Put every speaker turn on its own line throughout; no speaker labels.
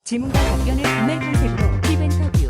질문과 답변을 분말 컨셉으로 팁 인터뷰.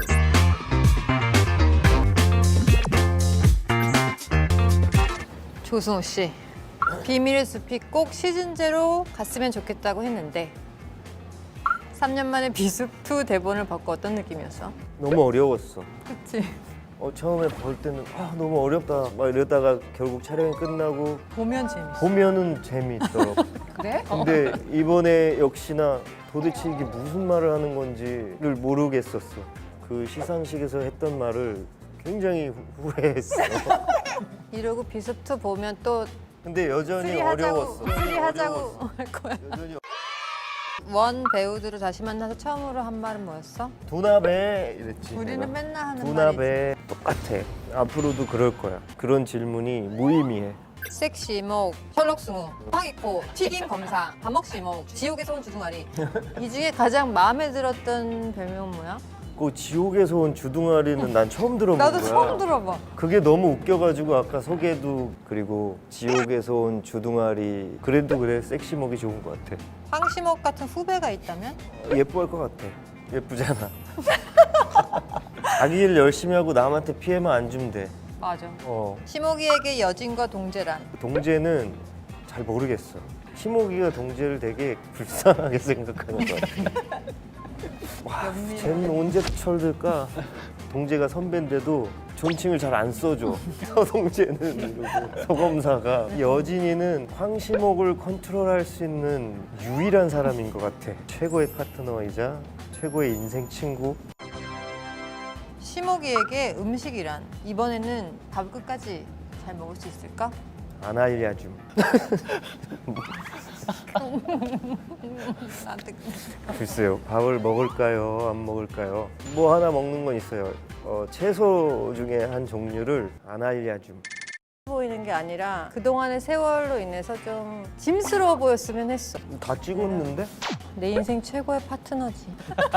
조승우 씨, 비밀의 숲이 꼭 시즌제로 갔으면 좋겠다고 했는데 3년 만에 비숲2 대본을 받고 어떤 느낌이었어?
너무 어려웠어.
그치?
처음에 볼 때는 너무 어렵다 막 이러다가 결국 촬영이 끝나고
보면 재밌어.
보면은 재미있더라고.
그래?
근데 이번에 역시나 도대체 이게 무슨 말을 하는 건지를 모르겠었어. 그 시상식에서 했던 말을 굉장히 후회했어.
이러고 비숲2 보면 또
근데 여전히
쓰리하자고
어려웠어.
쓰리하자고 할 거야.
여전히
원 배우들을 다시 만나서 처음으로 한 말은 뭐였어?
두나베 이랬지.
우리는
내가.
맨날 하는 말이지.
두나베 똑같아. 앞으로도 그럴 거야. 그런 질문이 무의미해.
섹시목, 혈록승우, 황익호, 튀김 검사, 밥먹시목, 지옥에서 온 주둥아리. 이 중에 가장 마음에 들었던 별명은 뭐야?
그 지옥에서 온 주둥아리는 난 처음 들어본
나도
거야.
처음 들어봐.
그게 너무 웃겨가지고 아까 소개도 그리고 지옥에서 온 주둥아리 그래도 그래 섹시목이 좋은 것 같아.
황시목 같은 후배가 있다면?
예뻐할 것 같아. 예쁘잖아. 자기 일 열심히 하고 남한테 피해만 안 주면 돼.
맞아.
어.
시목이에게 여진과 동제란.
동재는 잘 모르겠어. 시목이가 동재를 되게 불쌍하게 생각하는 것 같아. 와, 쟤는 언제 철들까? 동재가 선배인데도 존칭을 잘 안 써줘. 서동재는 이러고 서검사가. 여진이는 황시목을 컨트롤할 수 있는 유일한 사람인 것 같아. 최고의 파트너이자 최고의 인생 친구.
시목이에게 음식이란. 이번에는 밥 끝까지 잘 먹을 수 있을까?
안 알려줌.
나한테
글쎄요, 밥을 먹을까요? 안 먹을까요? 뭐 하나 먹는 건 있어요. 채소 중에 한 종류를 안 알려줌.
보이는 게 아니라 그동안의 세월로 인해서 좀 짐스러워 보였으면 했어.
다 찍었는데?
내 인생 최고의 파트너지.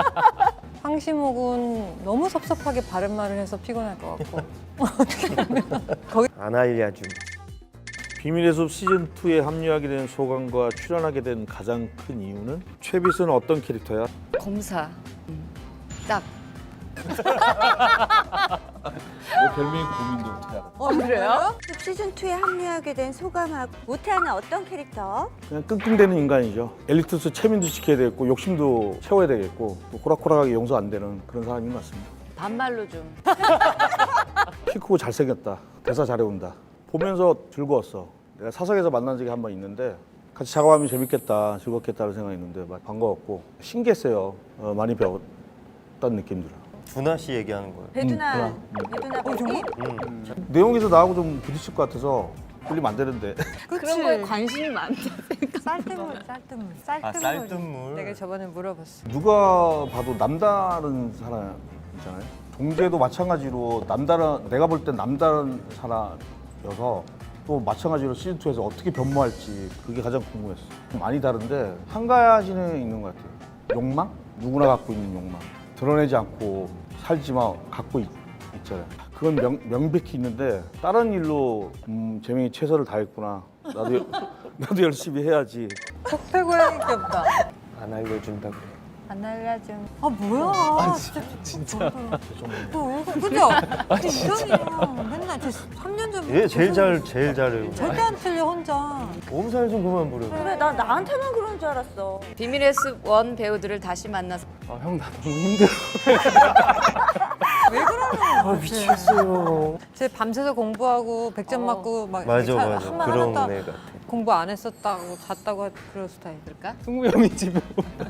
황시목은 너무 섭섭하게 바른 말을 해서 피곤할 것 같고. 어떻게 보면 거기
안 알려줌.
비밀의 숲 시즌2에 합류하게 된 소감과 출연하게 된 가장 큰 이유는? 최비수는 어떤 캐릭터야?
검사. 딱.
내 별명이 고민도 어떻게 알아?
그래요?
시즌2에 합류하게 된 소감하고 모태하는 어떤 캐릭터?
그냥 끙끙대는 인간이죠. 엘리트스 체면도 지켜야 되겠고 욕심도 채워야 되겠고 또 호락호락하게 용서 안 되는 그런 사람인 것 같습니다.
반말로 좀.
키 크고 잘생겼다. 대사 잘해온다. 보면서 즐거웠어. 내가 사석에서 만난 적이 한 번 있는데 같이 작업하면 재밌겠다, 즐겁겠다는 생각했는데 반가웠고 신기했어요. 많이 배웠다는 느낌 들어요.
두나 씨 얘기하는 거예요.
배두나 배기?
내용에서 나하고 좀 부딪힐 것 같아서 끌리면 안 되는데.
그런 거에 관심이 많다.
쌀뜨물.
쌀뜨물.
내가 저번에 물어봤어.
누가 봐도 남다른 사람이잖아요. 동재도 마찬가지로 내가 볼 땐 남다른 사람이어서 또 마찬가지로 시즌2에서 어떻게 변모할지 그게 가장 궁금했어. 좀 많이 다른데 한 가지는 있는 것 같아요. 욕망? 누구나 갖고 있는 욕망. 드러내지 않고 살지만 갖고 있잖아요. 그건 명백히 있는데 다른 일로 재명이 최선을 다했구나. 나도 열심히 해야지.
적폐고양이 귀엽다.
안 알려준다 그래.
안 알려줌. 뭐야? 진짜. 너 그죠? 이전이야. 맨날 3년 전부터.
얘 제일 잘해요.
절대 안 틀려 혼자.
몸살 좀 그만 부려.
그래 나 나한테만 그런 줄 알았어.
비밀의 숲 원 배우들을 다시 만나서
형 나 너무 힘들어.
왜 그러는 거야?
미치겠어요.
쟤 밤새서 공부하고 100점 맞고 막
맞아
이렇게
맞아.
한번
그런
하다가
애 같아.
공부 안 했었다고 잤다고 그럴 스타일.
그럴까?
승우 형이 지금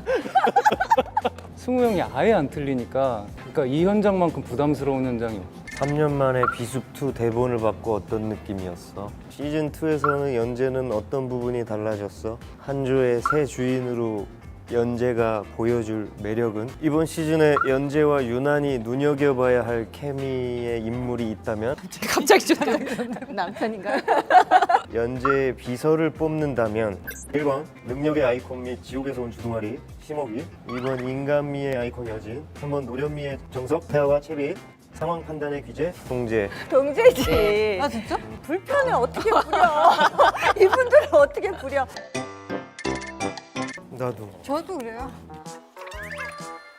승우 형이 아예 안 틀리니까 그러니까 이 현장만큼 부담스러운 현장이 없어.
3년 만에 비숲2 대본을 받고 어떤 느낌이었어? 시즌2에서는 연재는 어떤 부분이 달라졌어? 한조의 새 주인으로 연재가 보여줄 매력은? 이번 시즌에 연재와 유난히 눈여겨봐야 할 케미의 인물이 있다면?
갑자기 좀 남편인가요?
연재의 비서를 뽑는다면 1번 능력의 아이콘 및 지옥에서 온 주둥아리 심옥이, 2번 인간미의 아이콘 여진, 3번 노련미의 정석 태아와 채비, 상황 판단의 귀재 동재.
동재지.
아 진짜?
불편을 어떻게 부려? 이분들을 어떻게 부려?
나도.
저도 그래요.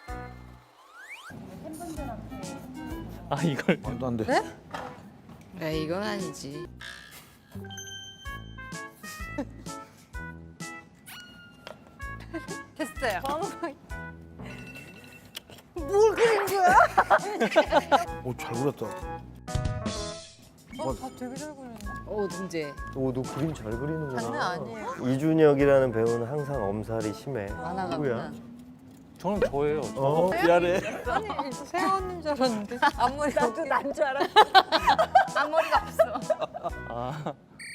아 이걸
말도 안 돼.
네, 이건 아니지.
됐어요.
오, 잘 그렸다.
다 되게 잘 그린다.
오, 문제.
오, 너 그림 잘 그리는구나.
장난 아니에요.
이준혁이라는 배우는 항상 엄살이 심해.
만화가구나.
누구야?
저는 저예요.
미안해.
아니, 세원인 줄 알았는데. 앞머리 나도 난 줄 알아.
앞머리가 없어.
아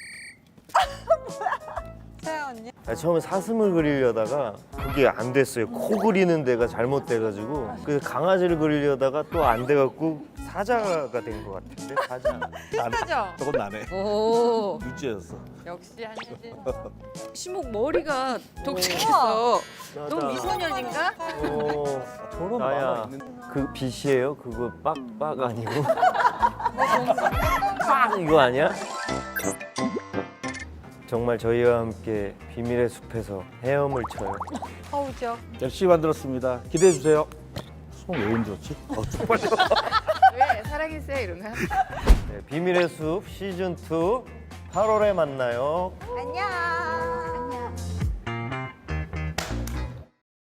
세원이?
처음에 사슴을 그리려다가 그게 안 됐어요. 코 그리는 데가 잘못돼가지고 그래서 강아지를 그리려다가 또 안 돼갖고 사자가 된 것 같은데 사자.
비슷하죠?
저건 나네.
오,
유지였어.
역시 한예진.
시목 머리가 독특해서.
맞아.
너 미소년인가?
저런
나야.
만화 있는.
그 빛이에요? 그거 빡빡 아니고? 빡 이거 아니야? 정말 저희와 함께 비밀의 숲에서 헤엄을 쳐요.
허우죠.
열심히 만들었습니다. 기대해 주세요. 수목 왜 힘들었지? 쪽팔려.
왜 사랑했어요 이런 거?
네, 비밀의 숲 시즌 2 8월에 만나요.
안녕.